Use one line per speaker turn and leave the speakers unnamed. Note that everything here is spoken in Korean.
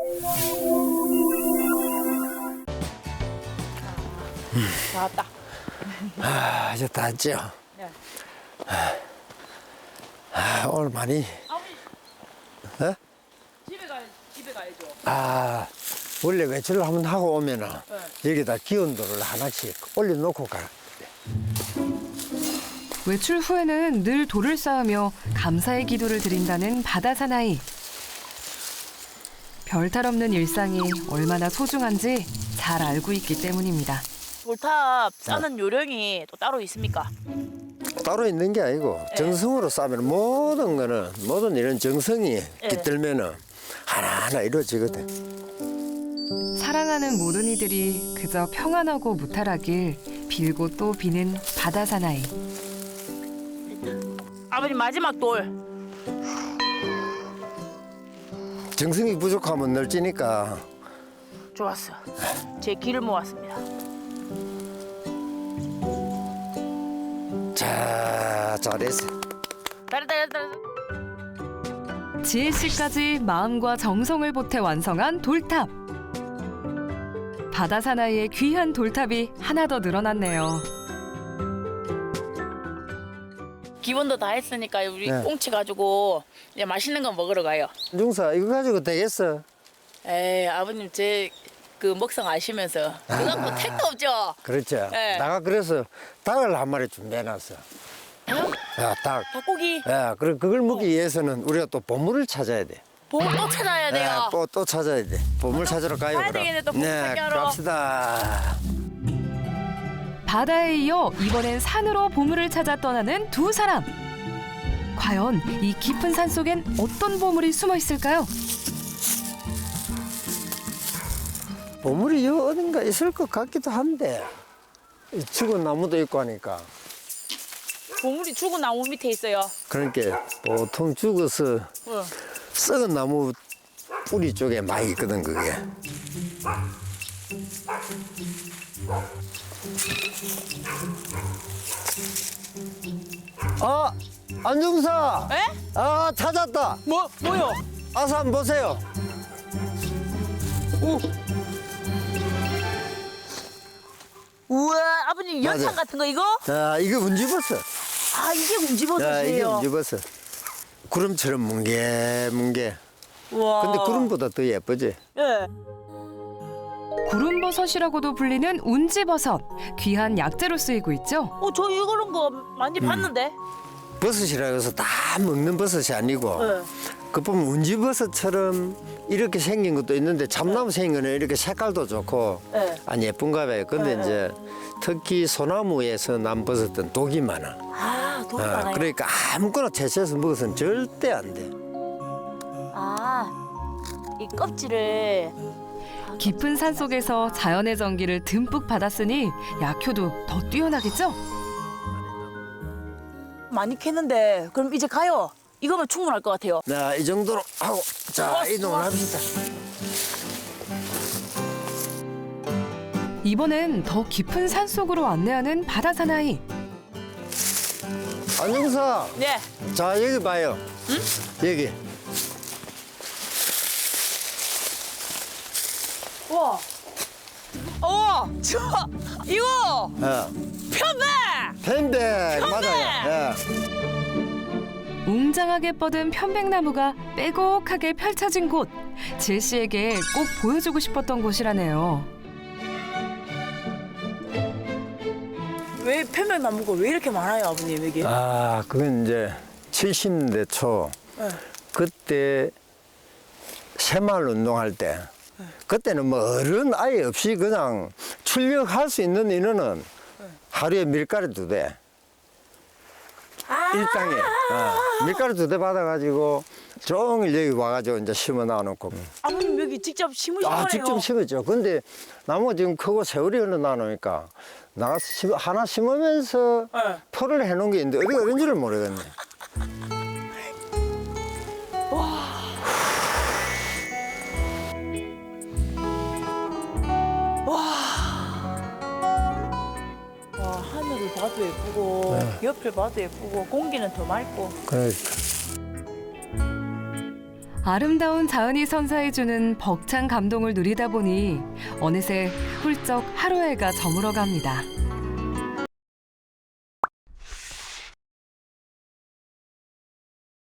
다 왔다.
아, 이제 다 왔죠?
네.
오늘 많이,
아버지
어?
집에 가야죠.
아, 원래 외출을 한번 하고 오면은 여기다 기온도를 하나씩 올려놓고 가.
외출 후에는 늘 돌을 쌓으며 감사의 기도를 드린다는 바다 사나이. 별탈 없는 일상이 얼마나 소중한지 잘 알고 있기 때문입니다.
돌탑 싸는 요령이 또 따로 있습니까?
따로 있는 게 아니고 정성으로 싸면 모든 거는 모든 이런 정성이 깃들면은 하나하나 이루어지거든.
사랑하는 모든 이들이 그저 평안하고 무탈하길 빌고 또 비는 바다 사나이.
아버님 마지막 돌.
정성이 부족하면 널찌니까.
좋았어. 제 길을 모았습니다.
자, 잘했어.
잘했다.
지혜 씨까지 마음과 정성을 보태 완성한 돌탑. 바다 사나이의 귀한 돌탑이 하나 더 늘어났네요.
기본도 다 했으니까 우리
네.
꽁치 가지고 이제 맛있는 거 먹으러 가요.
중사, 이거 가지고 되겠어?
에이 아버님 제 그 먹성 아시면서 그거 갖고 택도 없죠.
그렇죠.
네.
내가 그래서 닭을 한 마리 준비해놨어. 야, 닭.
닭고기
야, 그걸 먹기 위해서는 우리가 또 보물을 찾아야 돼.
보물 또 찾아야 돼요.
야, 또 찾아야 돼. 보물 찾으러 가요.
가야
그럼.
되겠네, 또 보물 찾기하러.
갑시다.
바다에 이어 이번엔 산으로 보물을 찾아 떠나는 두 사람. 과연 이 깊은 산 속엔 어떤 보물이 숨어 있을까요?
보물이 여 어딘가 있을 것 같기도 한데 이 죽은 나무도 있고 하니까.
보물이 죽은 나무 밑에 있어요.
그러니까 보통 죽어서
응.
썩은 나무 뿌리 쪽에 많이 있거든 그게. 아, 안중사.
에?
아, 찾았다.
뭐요?
아서 한번 보세요.
우와 아버님 연탄
맞아.
같은 거 이거?
자, 이거 운지버섯.
아 이게
자, 이게
운지버섯이에요.
운지버섯. 구름처럼 뭉게뭉게.
우와.
근데 구름보다 더 예쁘지?
예.
구름버섯이라고도 불리는 운지버섯. 귀한 약재로 쓰이고 있죠.
저 이런 거 많이 봤는데.
버섯이라 해서 다 먹는 버섯이 아니고
네.
그 보면 운지버섯처럼 이렇게 생긴 것도 있는데 참나무 생긴 거는 이렇게 색깔도 좋고
네.
안 예쁜가 봐요. 근데
네.
이제 특히 소나무에서 난 버섯은 독이 많아.
아 돈이 많아요.
그러니까 아무거나 채취해서 먹어서는 절대 안 돼.
이 껍질을
깊은 산 속에서 자연의 전기를 듬뿍 받았으니 약효도 더 뛰어나겠죠?
많이 캤는데 그럼 이제 가요. 이거면 충분할 것 같아요.
자, 이 정도로 하고 자, 이동을 합시다.
이번엔 더 깊은 산 속으로 안내하는 바다 사나이.
안녕사.
네.
자, 여기 봐요.
응?
여기.
우와. 저 이거 편백.
펜백 맞아요. 예.
웅장하게 뻗은 편백나무가 빼곡하게 펼쳐진 곳. 질 씨에게 꼭 보여주고 싶었던 곳이라네요.
왜 편백 나무가 왜 이렇게 많아요, 아버님 여기?
아, 그건 이제 70년대 초
네.
그때 새마을 운동할 때 그때는 뭐 어른 아예 없이 그냥 출력할 수 있는 인원은 하루에 밀가루 2대 일당에 밀가루 2대 받아가지고 종일 여기 와가지고 이제 심어 놔놓고
아버님 여기 직접 심으신 거네요.
직접 심었죠. 근데 나무가 지금 크고 세월이 흘러나오니까 나가서 하나 심으면서
네.
토를 해놓은 게 있는데 어디가 어딘지를 모르겠네.
와 하늘을 봐도 예쁘고 옆을 봐도 예쁘고 공기는 더 맑고.
그래.
아름다운 자연이 선사해주는 벅찬 감동을 누리다 보니 어느새 훌쩍 하루해가 저물어갑니다.